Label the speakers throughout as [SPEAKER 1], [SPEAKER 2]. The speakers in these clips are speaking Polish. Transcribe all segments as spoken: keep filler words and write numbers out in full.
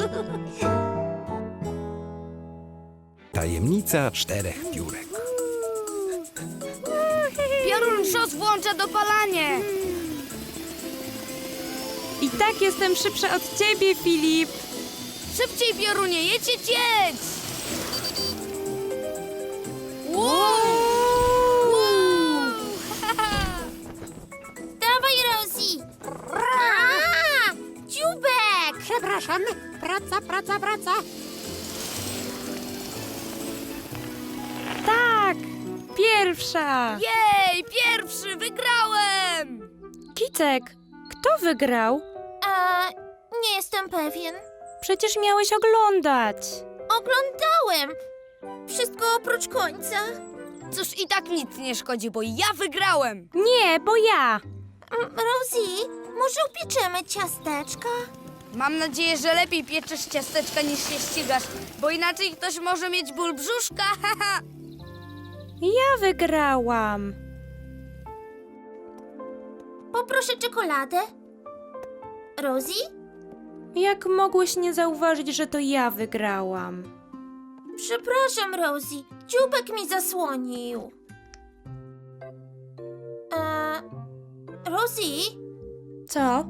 [SPEAKER 1] Tajemnica czterech piórek.
[SPEAKER 2] Piorun szos włącza dopalanie.
[SPEAKER 3] I tak jestem szybsza od ciebie, Filip.
[SPEAKER 2] Szybciej, Piorunie, jedź, jedź, jedź! Wow! Wow!
[SPEAKER 4] Dawaj, Rosie! A, dziubek!
[SPEAKER 5] Przepraszam, praca, praca, praca.
[SPEAKER 3] Tak, pierwsza.
[SPEAKER 2] Jej, pierwszy, wygrałem!
[SPEAKER 3] Kicek, kto wygrał?
[SPEAKER 4] A, nie jestem pewien.
[SPEAKER 3] Przecież miałeś oglądać.
[SPEAKER 4] Oglądałem. Wszystko oprócz końca.
[SPEAKER 2] Cóż, i tak nic nie szkodzi, bo ja wygrałem!
[SPEAKER 3] Nie, bo ja.
[SPEAKER 4] Mm, Rosie, może upieczemy ciasteczka?
[SPEAKER 2] Mam nadzieję, że lepiej pieczesz ciasteczka niż się ścigasz, bo inaczej ktoś może mieć ból brzuszka, haha!
[SPEAKER 3] Ja wygrałam.
[SPEAKER 4] Poproszę czekoladę. Rosie?
[SPEAKER 3] Jak mogłeś nie zauważyć, że to ja wygrałam?
[SPEAKER 4] Przepraszam, Rosie. Dziubek mi zasłonił. E, Rosie?
[SPEAKER 3] Co?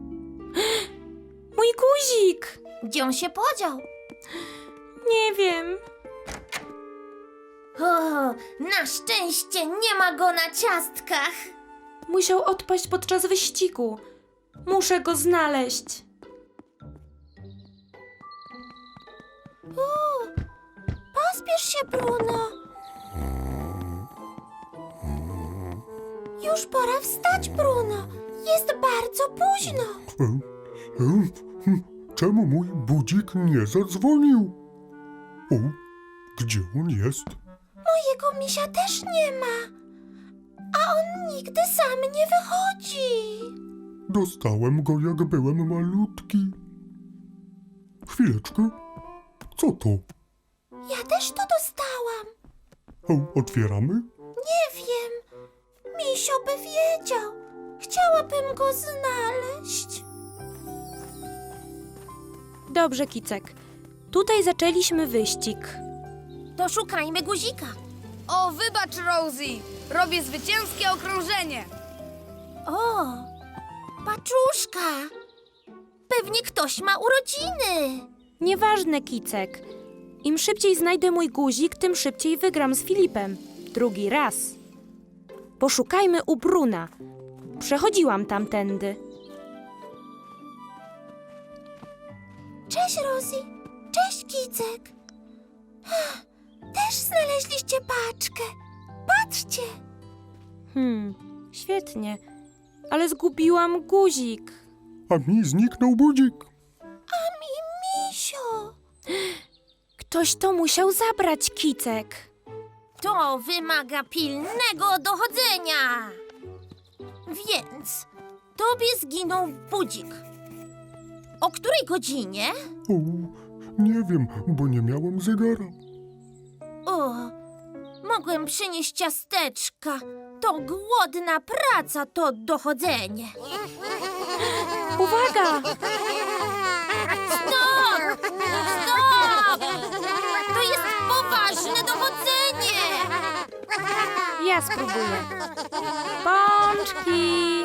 [SPEAKER 3] Mój guzik!
[SPEAKER 4] Gdzie on się podział?
[SPEAKER 3] Nie wiem.
[SPEAKER 4] O, na szczęście nie ma go na ciastkach.
[SPEAKER 3] Musiał odpaść podczas wyścigu. Muszę go znaleźć.
[SPEAKER 4] O, pospiesz się, Bruno. Już pora wstać, Bruno. Jest bardzo późno.
[SPEAKER 6] E, e, hm, Czemu mój budzik nie zadzwonił? O, gdzie on jest?
[SPEAKER 4] Mojego misia też nie ma. A on nigdy sam nie wychodzi.
[SPEAKER 6] Dostałem go, jak byłem malutki. Chwileczkę. Co to?
[SPEAKER 4] Ja też to dostałam.
[SPEAKER 6] O, otwieramy?
[SPEAKER 4] Nie wiem. Misio by wiedział. Chciałabym go znaleźć.
[SPEAKER 3] Dobrze, Kicek. Tutaj zaczęliśmy wyścig.
[SPEAKER 4] To szukajmy guzika.
[SPEAKER 2] O, wybacz, Rosie! Robię zwycięskie okrążenie!
[SPEAKER 4] O, paczuszka. Pewnie ktoś ma urodziny.
[SPEAKER 3] Nieważne, Kicek. Im szybciej znajdę mój guzik, tym szybciej wygram z Filipem. Drugi raz. Poszukajmy u Bruna. Przechodziłam tamtędy.
[SPEAKER 4] Cześć, Rosie. Cześć, Kicek. Też znaleźliście paczkę. Patrzcie.
[SPEAKER 3] Hmm, świetnie. Ale zgubiłam guzik.
[SPEAKER 6] A mi zniknął budzik.
[SPEAKER 4] A mi misio.
[SPEAKER 3] Ktoś to musiał zabrać, Kicek.
[SPEAKER 4] To wymaga pilnego dochodzenia. Więc tobie zginął budzik. O której godzinie?
[SPEAKER 6] O, nie wiem, bo nie miałem zegara.
[SPEAKER 4] O, mogłem przynieść ciasteczka. To głodna praca, to dochodzenie.
[SPEAKER 3] Uwaga!
[SPEAKER 4] Stop! Stop! To jest poważne dochodzenie.
[SPEAKER 3] Ja spróbuję. Pączki!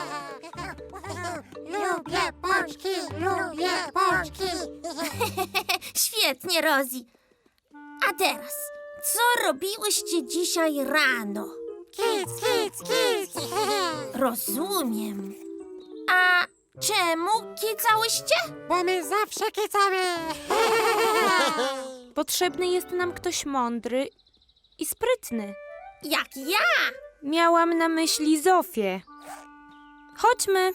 [SPEAKER 5] Lubię pączki, lubię pączki.
[SPEAKER 4] Świetnie, Rosie. A teraz, co robiłyście dzisiaj rano?
[SPEAKER 5] Kic, kic, kic.
[SPEAKER 4] Rozumiem. A czemu kicałyście?
[SPEAKER 5] Bo my zawsze kicamy.
[SPEAKER 3] Potrzebny jest nam ktoś mądry i sprytny.
[SPEAKER 4] Jak ja.
[SPEAKER 3] Miałam na myśli Zofię. Chodźmy.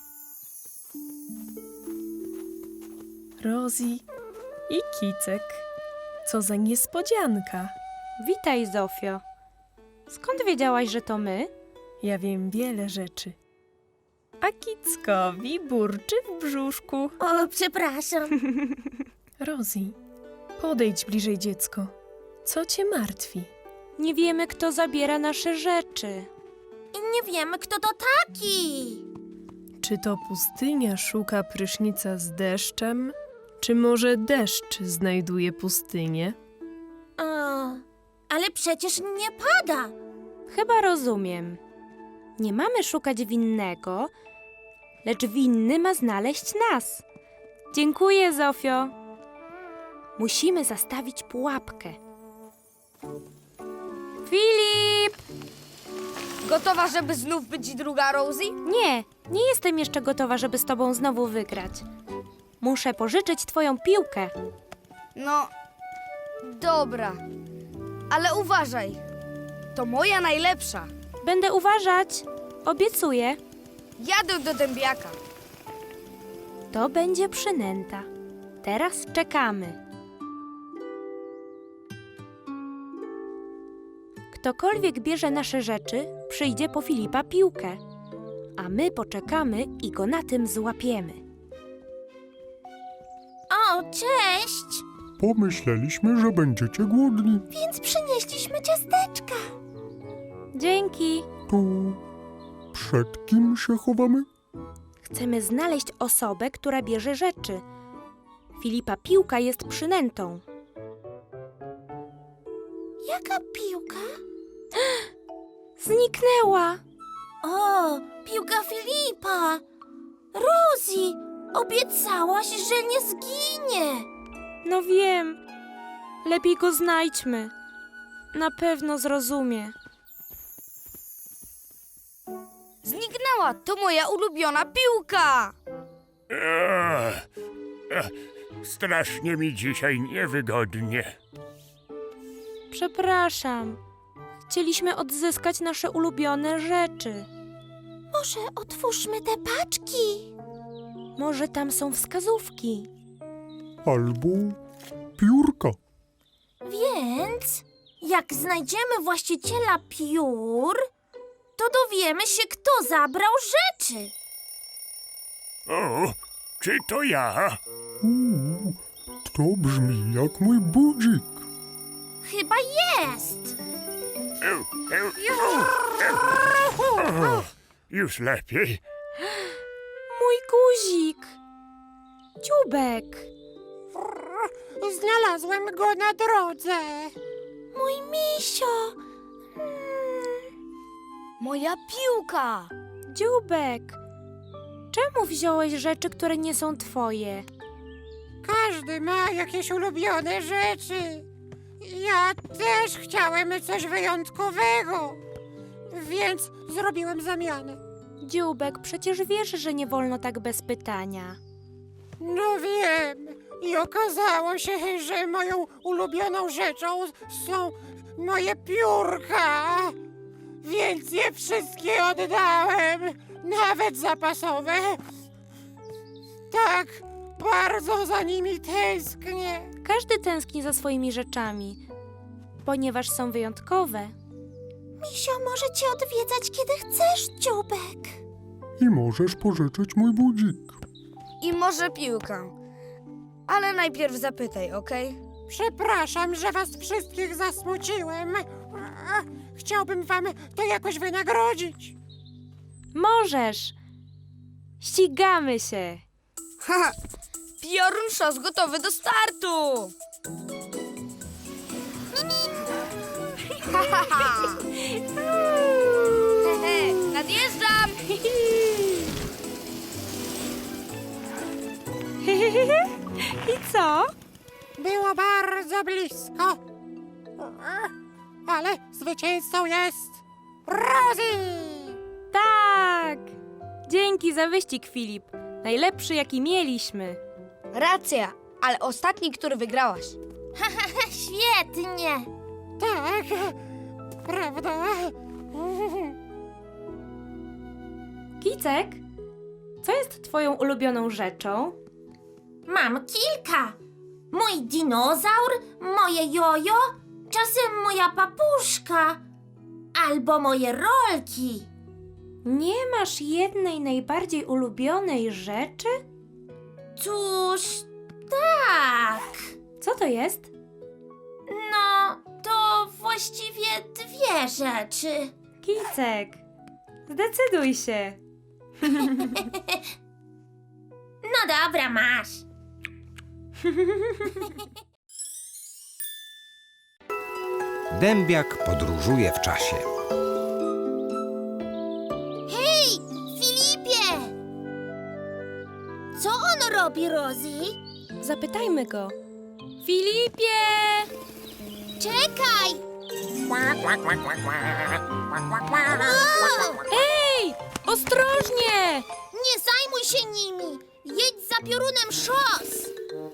[SPEAKER 7] Rosie i Kicek. Co za niespodzianka.
[SPEAKER 3] Witaj, Zofio. Skąd wiedziałaś, że to my?
[SPEAKER 7] Ja wiem wiele rzeczy. A Kickowi burczy w brzuszku.
[SPEAKER 4] O, przepraszam.
[SPEAKER 7] Rosie, podejdź bliżej, dziecko. Co cię martwi?
[SPEAKER 3] Nie wiemy, kto zabiera nasze rzeczy.
[SPEAKER 4] I nie wiemy, kto to taki.
[SPEAKER 7] Czy to pustynia szuka prysznica z deszczem? Czy może deszcz znajduje pustynię?
[SPEAKER 4] O, ale przecież nie pada.
[SPEAKER 3] Chyba rozumiem. Nie mamy szukać winnego, lecz winny ma znaleźć nas. Dziękuję, Zofio. Musimy zastawić pułapkę. Filip!
[SPEAKER 2] Gotowa, żeby znów być druga Rosie?
[SPEAKER 3] Nie, nie jestem jeszcze gotowa, żeby z tobą znowu wygrać. Muszę pożyczyć twoją piłkę.
[SPEAKER 2] No, dobra. Ale uważaj. To moja najlepsza.
[SPEAKER 3] Będę uważać. Obiecuję.
[SPEAKER 2] Jadę do dębiaka.
[SPEAKER 3] To będzie przynęta. Teraz czekamy. Ktokolwiek bierze nasze rzeczy, przyjdzie po Filipa piłkę, a my poczekamy i go na tym złapiemy.
[SPEAKER 4] O, cześć!
[SPEAKER 6] Pomyśleliśmy, że będziecie głodni.
[SPEAKER 4] Więc przynieśliśmy ciasteczka.
[SPEAKER 3] Dzięki.
[SPEAKER 6] To przed kim się chowamy?
[SPEAKER 3] Chcemy znaleźć osobę, która bierze rzeczy. Filipa piłka jest przynętą.
[SPEAKER 4] Jaka piłka?
[SPEAKER 3] Zniknęła.
[SPEAKER 4] O, piłka Filipa! Rosie, obiecałaś, że nie zginie.
[SPEAKER 3] No wiem. Lepiej go znajdźmy. Na pewno zrozumie.
[SPEAKER 2] Zniknęła. To moja ulubiona piłka.
[SPEAKER 8] Ech, ech, strasznie mi dzisiaj niewygodnie.
[SPEAKER 3] Przepraszam. Chcieliśmy odzyskać nasze ulubione rzeczy.
[SPEAKER 4] Może otwórzmy te paczki?
[SPEAKER 3] Może tam są wskazówki.
[SPEAKER 6] Albo piórka.
[SPEAKER 4] Więc jak znajdziemy właściciela piór, to dowiemy się, kto zabrał rzeczy.
[SPEAKER 8] O, czy to ja?
[SPEAKER 6] Uuu, to brzmi jak mój budzik.
[SPEAKER 4] Chyba jest.
[SPEAKER 8] Eu, eu, eu, eu. O, już lepiej.
[SPEAKER 3] Mój guzik. Dziubek.
[SPEAKER 5] Znalazłem go na drodze.
[SPEAKER 4] Mój misio.
[SPEAKER 2] Moja piłka.
[SPEAKER 3] Dziubek. Czemu wziąłeś rzeczy, które nie są twoje?
[SPEAKER 5] Każdy ma jakieś ulubione rzeczy. Ja też chciałem coś wyjątkowego, więc zrobiłem zamianę.
[SPEAKER 3] Dziubek, przecież wiesz, że nie wolno tak bez pytania.
[SPEAKER 5] No wiem. I okazało się, że moją ulubioną rzeczą są moje piórka. Więc je wszystkie oddałem, nawet zapasowe. Tak bardzo za nimi tęsknię.
[SPEAKER 3] Każdy tęskni za swoimi rzeczami, ponieważ są wyjątkowe.
[SPEAKER 4] Misio może cię odwiedzać, kiedy chcesz, Dziubek.
[SPEAKER 6] I możesz pożyczyć mój budzik.
[SPEAKER 2] I może piłkę. Ale najpierw zapytaj, okej?
[SPEAKER 5] Przepraszam, że was wszystkich zasmuciłem. Chciałbym wam to jakoś wynagrodzić.
[SPEAKER 3] Możesz. Ścigamy się.
[SPEAKER 2] Haha, piorun szos gotowy do startu! Hehe, nadjeżdżam!
[SPEAKER 3] I co?
[SPEAKER 5] Było bardzo blisko. Ale zwycięzcą jest Rosie!
[SPEAKER 3] Tak! Dzięki za wyścig, Filip. Najlepszy, jaki mieliśmy.
[SPEAKER 2] Racja, ale ostatni, który wygrałaś.
[SPEAKER 4] Świetnie.
[SPEAKER 5] Tak, prawda?
[SPEAKER 3] Kicek, co jest twoją ulubioną rzeczą?
[SPEAKER 4] Mam kilka. Mój dinozaur, moje jojo, czasem moja papuszka albo moje rolki.
[SPEAKER 3] Nie masz jednej najbardziej ulubionej rzeczy?
[SPEAKER 4] Cóż, tak.
[SPEAKER 3] Co to jest?
[SPEAKER 4] No, to właściwie dwie rzeczy.
[SPEAKER 3] Kicek, zdecyduj się.
[SPEAKER 4] No dobra, masz.
[SPEAKER 1] Dębiak podróżuje w czasie.
[SPEAKER 4] Hej, Filipie! Co on robi, Rosie?
[SPEAKER 3] Zapytajmy go. Filipie!
[SPEAKER 4] Czekaj!
[SPEAKER 5] Kła, kła, kła, kła, kła. Kła, kła, kła.
[SPEAKER 3] Ej! Ostrożnie!
[SPEAKER 4] Nie zajmuj się nimi! Jedź za piorunem szos!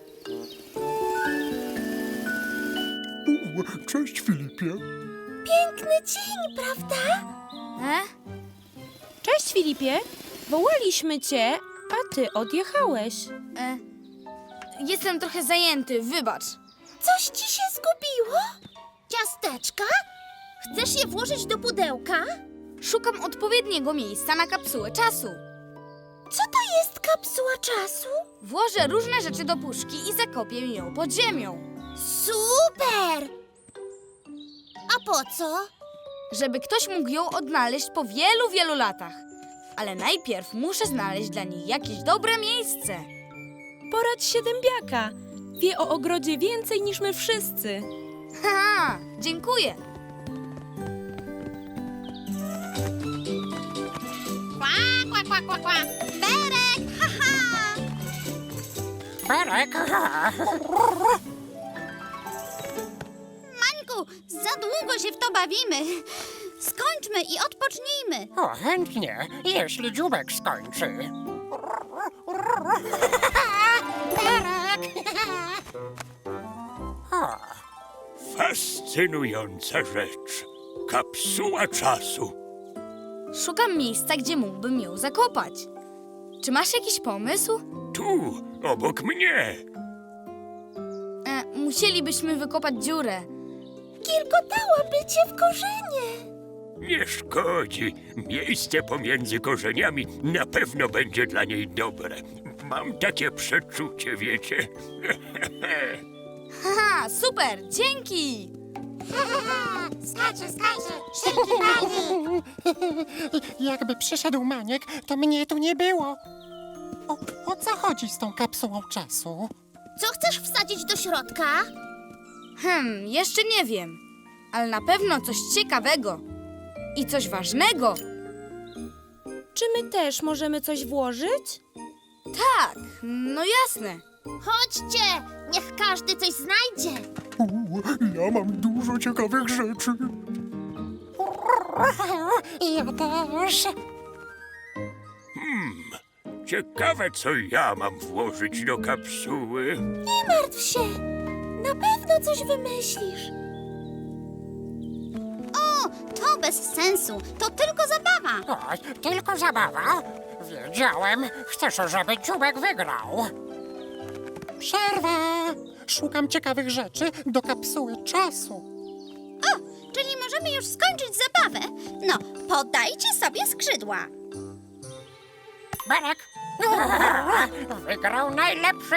[SPEAKER 6] U, cześć, Filipie.
[SPEAKER 4] Piękny dzień, prawda?
[SPEAKER 2] E?
[SPEAKER 3] Cześć, Filipie. Wołaliśmy cię, a ty odjechałeś.
[SPEAKER 2] E? Jestem trochę zajęty, wybacz.
[SPEAKER 4] Coś ci się zgubiło? Ciasteczka? Chcesz je włożyć do pudełka?
[SPEAKER 2] Szukam odpowiedniego miejsca na kapsułę czasu.
[SPEAKER 4] Co to jest kapsuła czasu?
[SPEAKER 2] Włożę różne rzeczy do puszki i zakopię ją pod ziemią.
[SPEAKER 4] Super! A po co?
[SPEAKER 2] Żeby ktoś mógł ją odnaleźć po wielu, wielu latach. Ale najpierw muszę znaleźć dla niej jakieś dobre miejsce.
[SPEAKER 3] Poradź się dębiaka. Wie o ogrodzie więcej niż my wszyscy.
[SPEAKER 2] Haha, dziękuję.
[SPEAKER 4] Kła, kła, kła, kła. Berek, haha!
[SPEAKER 5] Berek.
[SPEAKER 4] Mańku, za długo się w to bawimy. Skończmy i odpocznijmy.
[SPEAKER 5] O, chętnie, jeśli dziubek skończy. Berek. O,
[SPEAKER 8] Fascynująca rzecz. Kapsuła czasu.
[SPEAKER 2] Szukam miejsca, gdzie mógłbym ją zakopać. Czy masz jakiś pomysł?
[SPEAKER 8] Tu, obok mnie.
[SPEAKER 2] E, musielibyśmy wykopać dziurę.
[SPEAKER 4] Kilkotałaby cię w korzenie.
[SPEAKER 8] Nie szkodzi. Miejsce pomiędzy korzeniami na pewno będzie dla niej dobre. Mam takie przeczucie, wiecie?
[SPEAKER 2] Haha, super, dzięki!
[SPEAKER 5] skacze, skacze, szybki maniek. Jakby przyszedł maniek, to mnie tu nie było. O, o co chodzi z tą kapsułą czasu?
[SPEAKER 4] Co chcesz wsadzić do środka?
[SPEAKER 2] Hmm, jeszcze nie wiem. Ale na pewno coś ciekawego. I coś ważnego.
[SPEAKER 3] Czy my też możemy coś włożyć?
[SPEAKER 2] Tak, no jasne.
[SPEAKER 4] Chodźcie, niech każdy coś znajdzie.
[SPEAKER 6] U, ja mam dużo ciekawych rzeczy.
[SPEAKER 5] Ja też.
[SPEAKER 8] Ciekawe, co ja mam włożyć do kapsuły.
[SPEAKER 4] Nie martw się, na pewno coś wymyślisz. O, to bez sensu, to tylko zabawa.
[SPEAKER 5] O, tylko zabawa. Wiedziałem, chcesz, żeby dziubek wygrał. Przerwa! Szukam ciekawych rzeczy do kapsuły czasu.
[SPEAKER 4] O, czyli możemy już skończyć zabawę. No, podajcie sobie skrzydła.
[SPEAKER 5] Berek! Wygrał najlepszy!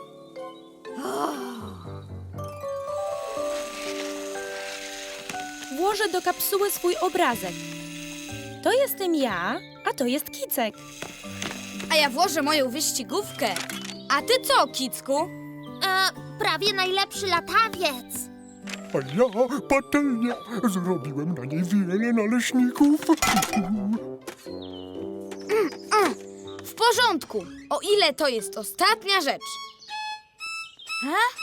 [SPEAKER 3] Włożę do kapsuły swój obrazek. To jestem ja, a to jest Kicek.
[SPEAKER 2] A ja włożę moją wyścigówkę. A ty co, Kicku?
[SPEAKER 4] E, prawie najlepszy latawiec.
[SPEAKER 6] A ja patelnia. Zrobiłem na niej wiele naleśników.
[SPEAKER 2] W porządku, o ile to jest ostatnia rzecz. A?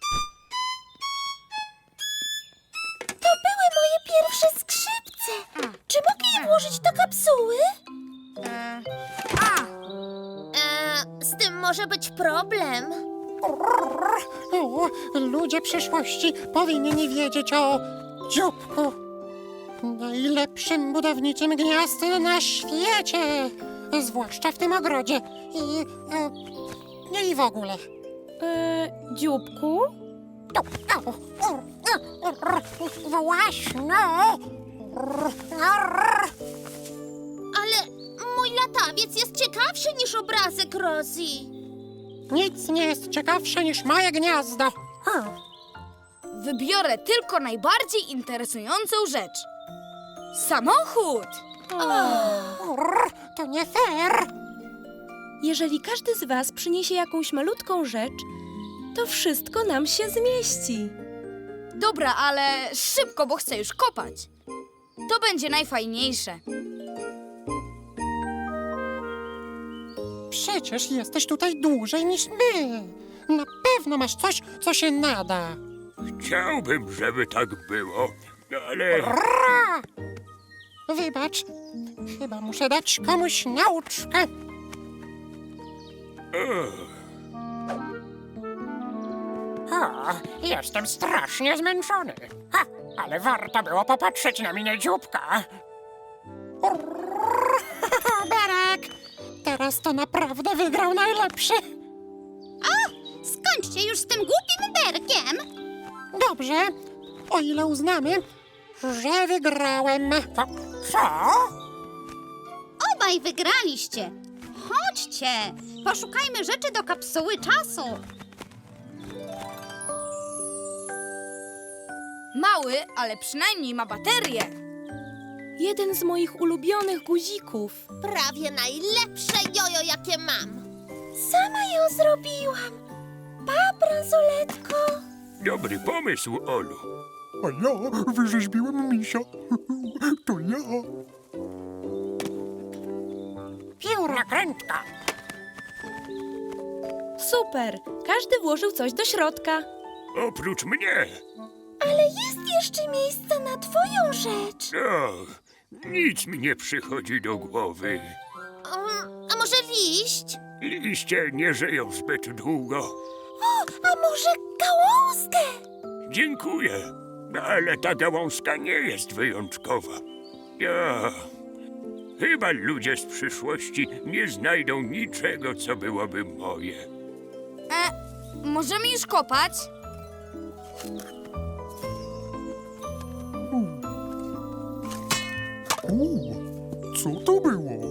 [SPEAKER 4] To były moje pierwsze skrzypce. Czy mogę je włożyć do kapsuły?
[SPEAKER 2] E, a,
[SPEAKER 4] E, z tym może być problem.
[SPEAKER 5] O, ludzie przyszłości powinni wiedzieć o dzióbku. Najlepszym budowniczym gniazd na świecie. Zwłaszcza w tym ogrodzie. I, e, i w ogóle.
[SPEAKER 3] E, dzióbku?
[SPEAKER 5] Właśnie.
[SPEAKER 4] Ale mój latawiec jest ciekawszy niż obrazek Rosie.
[SPEAKER 5] Nic nie jest ciekawsze niż moje gniazdo.
[SPEAKER 2] wybiorę tylko najbardziej interesującą rzecz. Samochód!
[SPEAKER 5] To nie fair.
[SPEAKER 3] Jeżeli każdy z was przyniesie jakąś malutką rzecz,
[SPEAKER 7] To wszystko nam się zmieści.
[SPEAKER 2] Dobra, ale szybko, bo chcę już kopać. To będzie najfajniejsze.
[SPEAKER 5] Przecież jesteś tutaj dłużej niż my. Na pewno masz coś, co się nada.
[SPEAKER 8] Chciałbym, żeby tak było, ale...
[SPEAKER 5] Ra! Wybacz, chyba muszę dać komuś nauczkę.
[SPEAKER 8] O,
[SPEAKER 5] O, jestem strasznie zmęczony. Ha, ale warto było popatrzeć na minę dzióbka. Berek! Teraz to naprawdę wygrał najlepszy.
[SPEAKER 4] Skończcie już z tym głupim berkiem!
[SPEAKER 5] Dobrze, o ile uznamy, że wygrałem. Co? Co?
[SPEAKER 4] Obaj wygraliście! Chodźcie! Poszukajmy rzeczy do kapsuły czasu!
[SPEAKER 2] Mały, ale przynajmniej ma baterię.
[SPEAKER 3] Jeden z moich ulubionych guzików.
[SPEAKER 4] Prawie najlepsze jojo, jakie mam! Sama ją zrobiłam! Pa, bransoletko!
[SPEAKER 8] dobry pomysł, Olu.
[SPEAKER 6] A ja wyrzeźbiłem misia. To ja.
[SPEAKER 5] Piórokrętka.
[SPEAKER 3] Super! Każdy włożył coś do środka.
[SPEAKER 8] Oprócz mnie.
[SPEAKER 4] Ale jest jeszcze miejsce na twoją rzecz!
[SPEAKER 8] O, nic mi nie przychodzi do głowy.
[SPEAKER 4] Um, a może liść?
[SPEAKER 8] Liście nie żyją zbyt długo.
[SPEAKER 4] O, a może gałązkę?
[SPEAKER 8] Dziękuję, ale ta gałązka nie jest wyjątkowa. Ja... Chyba ludzie z przyszłości nie znajdą niczego, co byłoby moje.
[SPEAKER 2] E, możemy już kopać?
[SPEAKER 6] U, co to było?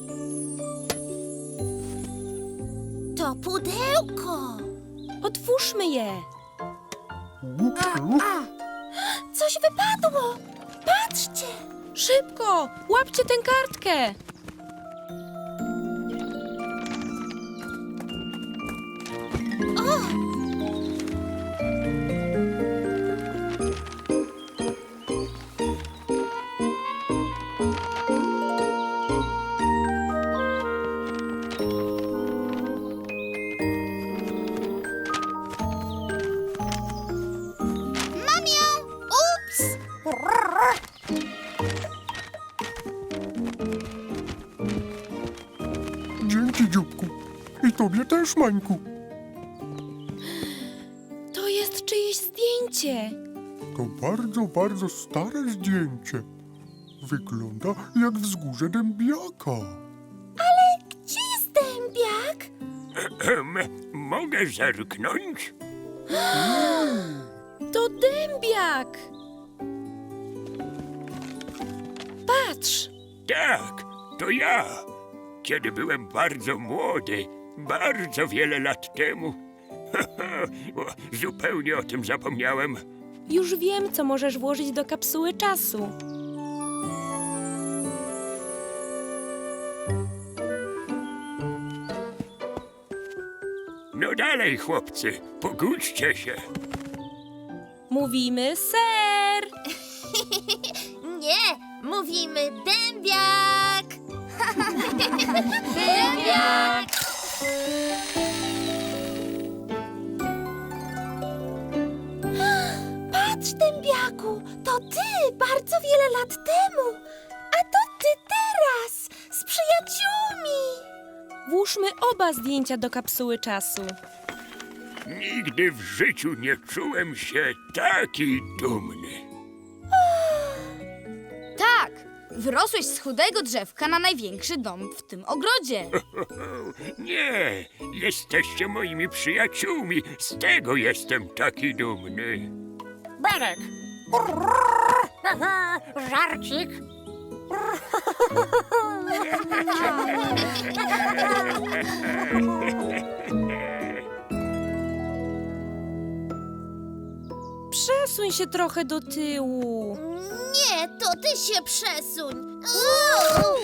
[SPEAKER 4] To pudełko!
[SPEAKER 3] Otwórzmy je.
[SPEAKER 6] U, u,
[SPEAKER 4] Coś wypadło! Patrzcie!
[SPEAKER 3] Szybko! Łapcie tę kartkę!
[SPEAKER 4] Mam ją! Ups!
[SPEAKER 6] Dzięki, dzióbku. I tobie też, Mańku.
[SPEAKER 3] To jest czyjeś zdjęcie.
[SPEAKER 6] To bardzo, bardzo stare zdjęcie. Wygląda jak wzgórze dębiaka.
[SPEAKER 4] Gdzie jest dębiak?
[SPEAKER 8] Ehem, mogę zerknąć?
[SPEAKER 3] To dębiak! Patrz!
[SPEAKER 8] Tak, to ja. Kiedy byłem bardzo młody, bardzo wiele lat temu. O, zupełnie o tym zapomniałem.
[SPEAKER 3] Już wiem, co możesz włożyć do kapsuły czasu.
[SPEAKER 8] No dalej, chłopcy, pogódźcie się.
[SPEAKER 3] Mówimy ser!
[SPEAKER 4] Nie, mówimy dębiak! Dębiak! Patrz, dębiaku, to ty bardzo wiele lat temu, a to ty teraz z przyjaciółmi.
[SPEAKER 3] Włóżmy oba zdjęcia do kapsuły czasu.
[SPEAKER 8] Nigdy w życiu nie czułem się taki dumny.
[SPEAKER 2] Tak, wyrosłeś z chudego drzewka na największy dom w tym ogrodzie.
[SPEAKER 8] Nie, jesteście moimi przyjaciółmi, z tego jestem taki dumny.
[SPEAKER 5] Berek. Żarcik.
[SPEAKER 3] Przesuń się trochę do tyłu.
[SPEAKER 4] Nie, to ty się przesuń. Uuu!